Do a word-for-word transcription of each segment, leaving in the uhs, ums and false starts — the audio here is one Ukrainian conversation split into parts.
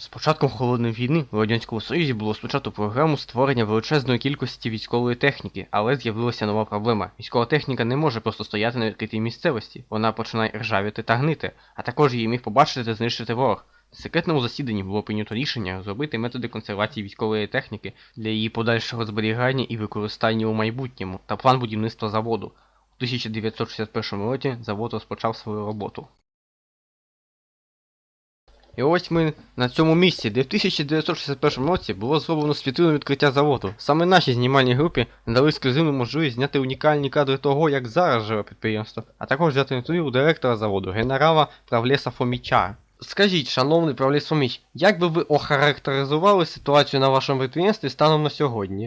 З початком Холодної війни у Радянському Союзі було спочатку програму створення величезної кількості військової техніки, але з'явилася нова проблема. Військова техніка не може просто стояти на відкритій місцевості, вона починає ржавіти та гнити, а також її міг побачити та знищити ворог. На секретному засіданні було прийнято рішення розробити методи консервації військової техніки для її подальшого зберігання і використання у майбутньому та план будівництва заводу. У тисяча дев'ятсот шістдесят першому році завод розпочав свою роботу. І ось ми на цьому місці, де в тисяча дев'ятсот шістдесят першому році було зроблено світлинне відкриття заводу. Саме нашій знімальній групі надали ексклюзивну можливість зняти унікальні кадри того, як зараз живе підприємство, а також взяти інтерв'ю у директора заводу, генерала Правлеса Фоміча. Скажіть, шановний Правлес Фоміч, як би ви охарактеризували ситуацію на вашому підприємстві станом на сьогодні?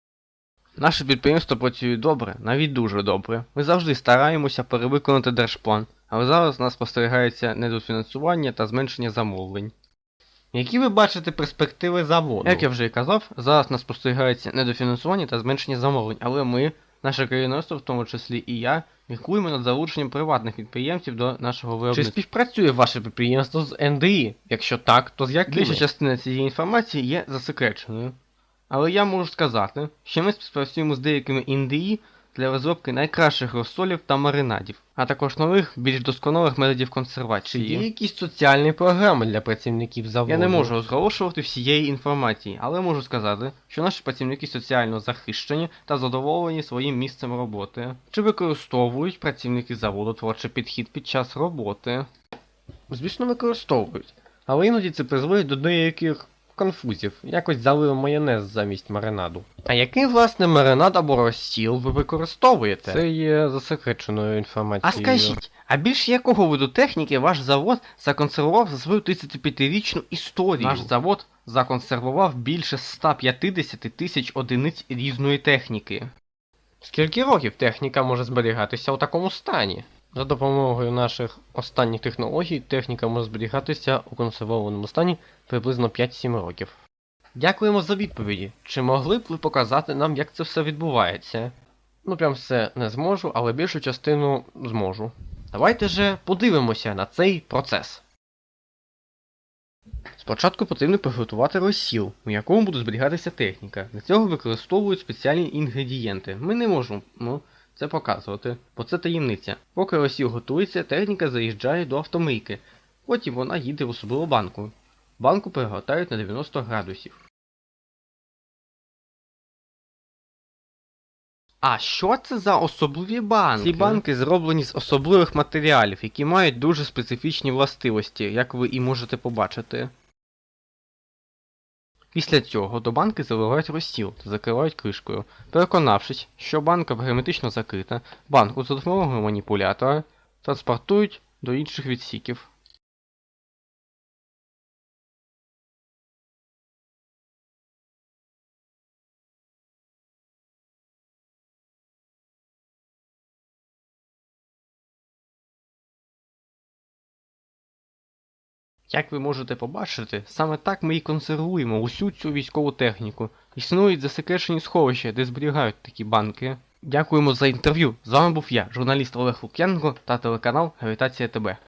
Наше підприємство працює добре, навіть дуже добре. Ми завжди стараємося перевиконати держплан, але зараз у нас спостерігається недофінансування та зменшення замовлень. Які ви бачите перспективи заводу? Як я вже і казав, зараз у нас спостерігається недофінансування та зменшення замовлень, але ми, наше керівництво, в тому числі і я, міркуємо над залученням приватних підприємців до нашого виробництва. Чи співпрацює ваше підприємство з ен де і? Якщо так, то з якими? Більша частина цієї інформації є засекреченою. Але я можу сказати, що ми співпрацюємо з деякими ен де і для розробки найкращих розсолів та маринадів, а також нових, більш досконалих методів консервації. Чи є якісь соціальні програми для працівників заводу? Я не можу розголошувати всієї інформації, але можу сказати, що наші працівники соціально захищені та задоволені своїм місцем роботи. Чи використовують працівники заводу творчий підхід під час роботи? Звісно, використовують, але іноді це призводить до деяких конфузів. Якось залив майонез замість маринаду. А який, власне, маринад або розсіл ви використовуєте? Це є засекреченою інформацією. А скажіть, а більш якого виду техніки ваш завод законсервував за свою тридцятип'ятирічну історію? Наш завод законсервував більше ста п'ятдесят тисяч одиниць різної техніки. Скільки років техніка може зберігатися у такому стані? За допомогою наших останніх технологій техніка може зберігатися у консервованому стані приблизно п'ять-сім років. Дякуємо за відповіді. Чи могли б ви показати нам, як це все відбувається? Ну прям все не зможу, але більшу частину зможу. Давайте же подивимося на цей процес. Спочатку потрібно приготувати розсіл, у якому буде зберігатися техніка. Для цього використовують спеціальні інгредієнти. Ми не можемо ну, це показувати, бо це таємниця. Поки розсіл готується, техніка заїжджає до автомийки. Потім вона їде в особливу банку. Банку перегортають на дев'яносто градусів. А що це за особливі банки? Ці банки зроблені з особливих матеріалів, які мають дуже специфічні властивості, як ви і можете побачити. Після цього до банки заливають розсіл та закривають кришкою. Переконавшись, що банка герметично закрита, банку за допомогою маніпулятора транспортують до інших відсіків. Як ви можете побачити, саме так ми і консервуємо усю цю військову техніку. Існують засекречені сховища, де зберігають такі банки. Дякуємо за інтерв'ю. З вами був я, журналіст Олег Лук'яненко та телеканал Гравітація ТБ.